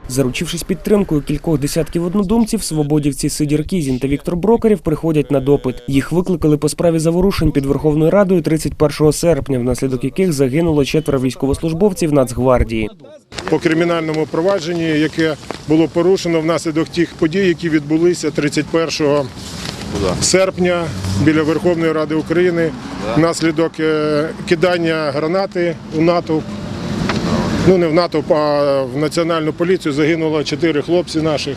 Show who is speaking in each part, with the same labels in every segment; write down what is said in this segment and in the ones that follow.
Speaker 1: Заручившись підтримкою кількох десятків однодумців, свободівці Сидір Кізін та Віктор Брокарєв приходять на допит. Їх викликали по справі заворушень під Верховною Радою 31 серпня, внаслідок яких загинуло 4 військовослужбовців Нацгвардії.
Speaker 2: По кримінальному провадженні, яке було порушено внаслідок тих подій, які відбулися 31 серпня біля Верховної Ради України, внаслідок кидання гранати у натовп. Ну, не в натовп, а в Національну поліцію загинуло 4 хлопці наших,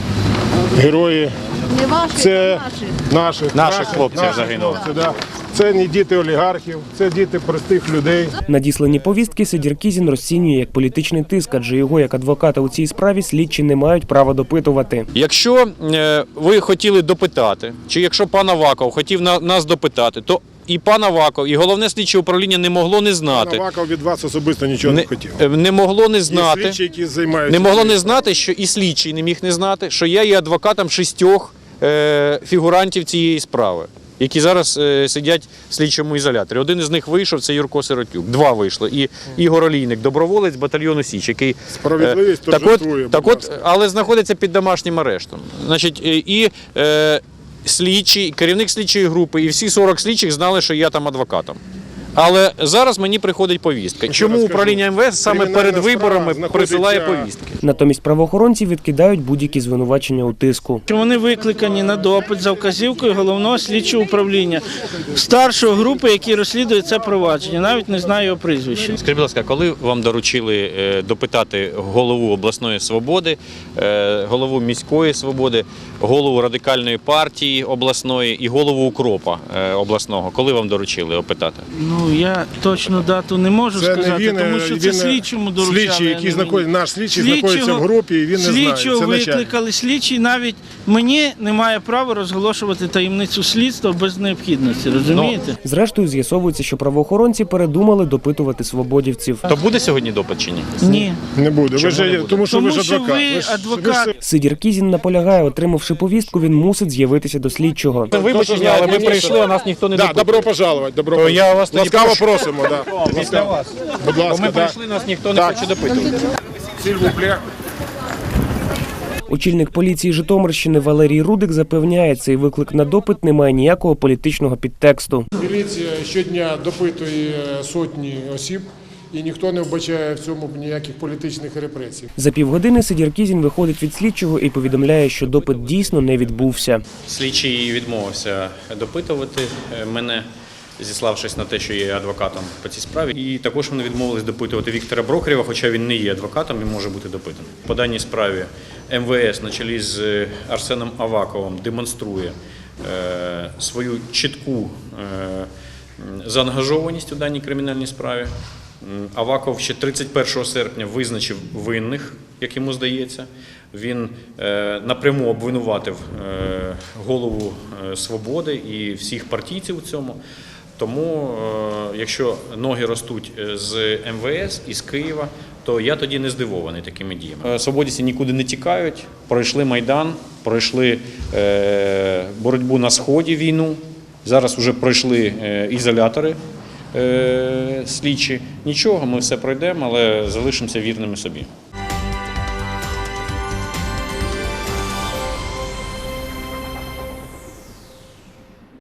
Speaker 2: герої.
Speaker 3: Не ваші,
Speaker 2: це
Speaker 4: наших хлопців загинуло.
Speaker 2: Це не діти олігархів, це діти простих людей.
Speaker 1: Надіслані повістки Сидір Кізін розцінює як політичний тиск, адже його як адвоката у цій справі слідчі не мають права допитувати.
Speaker 4: Якщо ви хотіли допитати, чи якщо пан Аваков хотів нас допитати, то і пан Аваков, і головне слідче управління не могло не знати.
Speaker 2: Пан Аваков від вас особисто нічого не хотів.
Speaker 4: Не могло не знати.
Speaker 2: Є слідчі, які займаються.
Speaker 4: Не могло не знати, що і слідчий не міг не знати, що я є адвокатом 6 фігурантів цієї справи, які зараз сидять в слідчому ізоляторі. Один із них вийшов, це Юрко Сиротюк. 2 вийшло. І Ігор Олійник, доброволець батальйону Січ, який
Speaker 2: справедливість торжествує,
Speaker 4: але знаходиться під домашнім арештом. Значить, і слідчий, керівник слідчої групи і всі 40 слідчих знали, що я там адвокатом. Але зараз мені приходить повістка. Чому управління МВС саме перед виборами присилає повістки?
Speaker 1: Натомість правоохоронці відкидають будь-які звинувачення у тиску.
Speaker 5: Вони викликані на допит за вказівкою головного слідчого управління, старшої групи, які розслідують це провадження. Навіть не знаю його прізвища.
Speaker 4: Скажіть, будь ласка, коли вам доручили допитати голову обласної свободи, голову міської свободи, голову радикальної партії обласної і голову укропа обласного, коли вам доручили опитати?
Speaker 5: Ну, я точно дату не можу сказати, тому що це слідчому доручали.
Speaker 2: Слідчий, який знаходиться, наш слідчий знаходиться в групі, і він не знає.
Speaker 5: Слідчого викликали, слідчий навіть мені немає права розголошувати таємницю слідства без необхідності, розумієте?
Speaker 1: Зрештою, з'ясовується, що правоохоронці передумали допитувати свободівців.
Speaker 4: То буде сьогодні допит чи ні?
Speaker 5: Ні.
Speaker 2: Не буде. Тому що ви ж
Speaker 5: адвокат.
Speaker 1: Сидір Кізін наполягає, отримавши повістку, він мусить з'явитися до слідчого.
Speaker 4: Вибачте, але ми прийшли, а нас ніхто не допитує.
Speaker 2: Добро пожаловать.
Speaker 4: Я вас тоді
Speaker 2: ласкаво просимо.
Speaker 4: Після вас.
Speaker 2: Будь ласка,
Speaker 4: ми прийшли, нас ніхто не хоче допитувати.
Speaker 1: Очільник поліції Житомирщини Валерій Рудик запевняє, цей виклик на допит не має ніякого політичного підтексту.
Speaker 2: Міліція щодня допитує сотні осіб, і ніхто не вбачає в цьому ніяких політичних репресій.
Speaker 1: За півгодини Сидір Кізін виходить від слідчого і повідомляє, що допит дійсно не відбувся.
Speaker 4: Слідчий відмовився допитувати мене, зіславшись на те, що я є адвокатом по цій справі. І також вони відмовились допитувати Віктора Брокарєва, хоча він не є адвокатом і може бути допитаний. По даній справі МВС на чолі з Арсеном Аваковим демонструє свою чітку заангажованість у даній кримінальній справі. Аваков ще 31 серпня визначив винних, як йому здається. Він напряму обвинуватив голову «Свободи» і всіх партійців у цьому. Тому, якщо ноги ростуть з МВС і з Києва, то я тоді не здивований такими діями. Свободівці нікуди не тікають, пройшли Майдан, пройшли боротьбу на Сході, війну, зараз вже пройшли ізолятори слідчі. Нічого, ми все пройдемо, але залишимося вірними собі.